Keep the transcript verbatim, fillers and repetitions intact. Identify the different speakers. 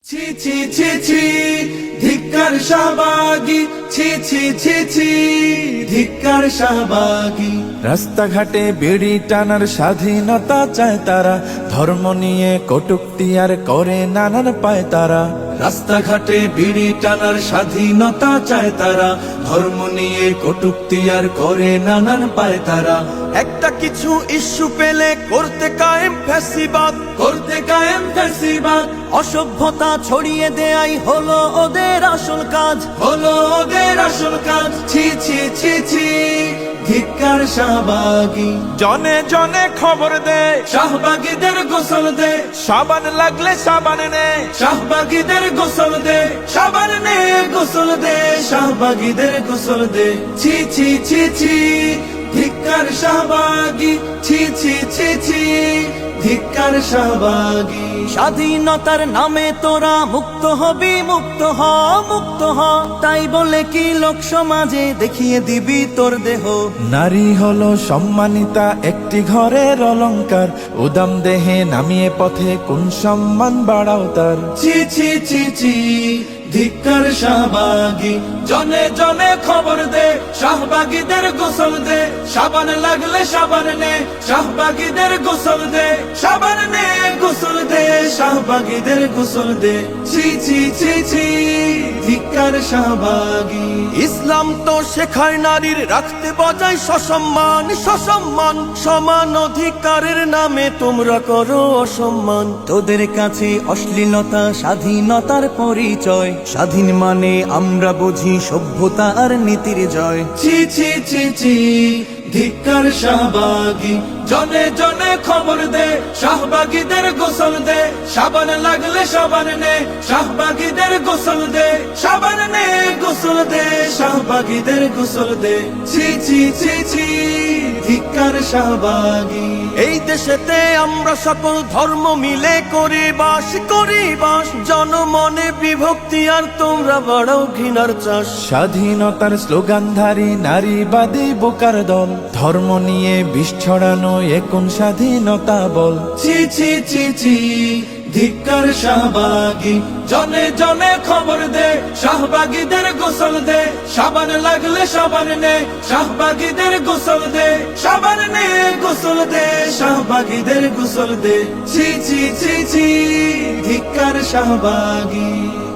Speaker 1: ছি ছি ছি ছি ধিক্কার শাহবাগী, ছি ছি ছি ছি ধিক্কার শাহবাগী।
Speaker 2: রাস্তাঘাটে বিড়ি টানার স্বাধীনতা চায় তারা, ধর্ম নিয়ে কটূক্তি আর করে নানান পায় তারা।
Speaker 1: রাস্তাঘাটে বিড়ি টানার স্বাধীনতা চায় তারা, ধর্ম নিয়ে কটূক্তি আর করে নানান পায় তারা।
Speaker 3: একটা কিছু ইস্যু পেলে করতে কায়েম ফ্যাসিবাদ,
Speaker 1: করতে কায়েম ফ্যাসিবাদ,
Speaker 3: অসভ্যতা ছড়িয়ে দেয়াই হলো ওদের আসল কাজ।
Speaker 1: হলো ওদের আসল কাজ। ছি ছি ছি ছি ধিক্কার শাহবাগী।
Speaker 2: জনে জনে খবর দে,
Speaker 1: শাহবাগীদের গোসল দে,
Speaker 2: সাবান লাগলে সাবান নে।
Speaker 1: শাহবাগীদের গোসল দে, সাবান নে গোসল দে, শাহবাগীদের গোসল দে। ছি ছি ছি ছি ধিক্কার শাহবাগী, ছি ছি ছি ছি ধিক্কার শাহবাগী।
Speaker 3: স্বাধীনতার নামে তোরা মুক্ত হবি, মুক্ত হ, মুক্ত হ, তাই বলে কি লোক সমাজে দেখিয়ে দিবি তোর দেহ।
Speaker 2: নারী হলো সম্মানিতা একটি ঘরের অলংকার, উদাম দেহে নামিয়ে পথে কোন সম্মান বাড়াও তার।
Speaker 1: ছি ছি ছি ছি ধিক্কার শাহবাগী। জনে জনে খবর দে, শাহবাগীদের গোসল দে, সাবান লাগলে সাবান নে, শাহবাগীদের গোসল দে, সাবান নে গোসল দে, শাহবাগীদের গোসল দে। ছি ছি ছি ছি ধিক্কার শাহবাগী।
Speaker 3: ইসলাম তো শেখায় নারীর রাখতে বজায় সসম্মান, সসম্মান, সমান অধিকারের নামে তোমরা করো অসম্মান। তোদের কাছে অশ্লীলতা স্বাধীনতার পরিচয়, স্বাধীন মানে আমরা বুঝি সভ্যতা আর নীতির জয়।
Speaker 1: ছি ছি ছি ছি ধিক্কার শাহবাগী। জনে জনে খবর দে, শাহবাগীদের গোসল দে, সাবান লাগলে সাবান নে, শাহবাগীদের গোসল দে, সাবান নে গোসল দে, শাহবাগীদের গোসল দে। ছি ছি ছি ছি ধিক্কার শাহবাগী।
Speaker 3: এই দেশেতে আমরা সকল ধর্ম মিলে করি বাস, করি বাস, জনমনে বিভক্তি আর তোমরা বাড়াও ঘৃণার চাষ।
Speaker 2: স্বাধীনতার স্লোগানধারী নারীবাদী বোকার দল, ধর্ম নিয়ে বিষ ছড়ানো এখন স্বাধীনতা বল।
Speaker 1: ছি ছি ছি ছি ধিক্কার শাহবাগী। জনে জনে খবর দে, শাহবাগীদের গোসল দে, সাবান লাগলে সাবান নে, শাহবাগীদের গোসল দে, সাবান নে গোসল দে, শাহবাগীদের গোসল দে। ছি ছি ছি ছি ধিক্কার শাহবাগী।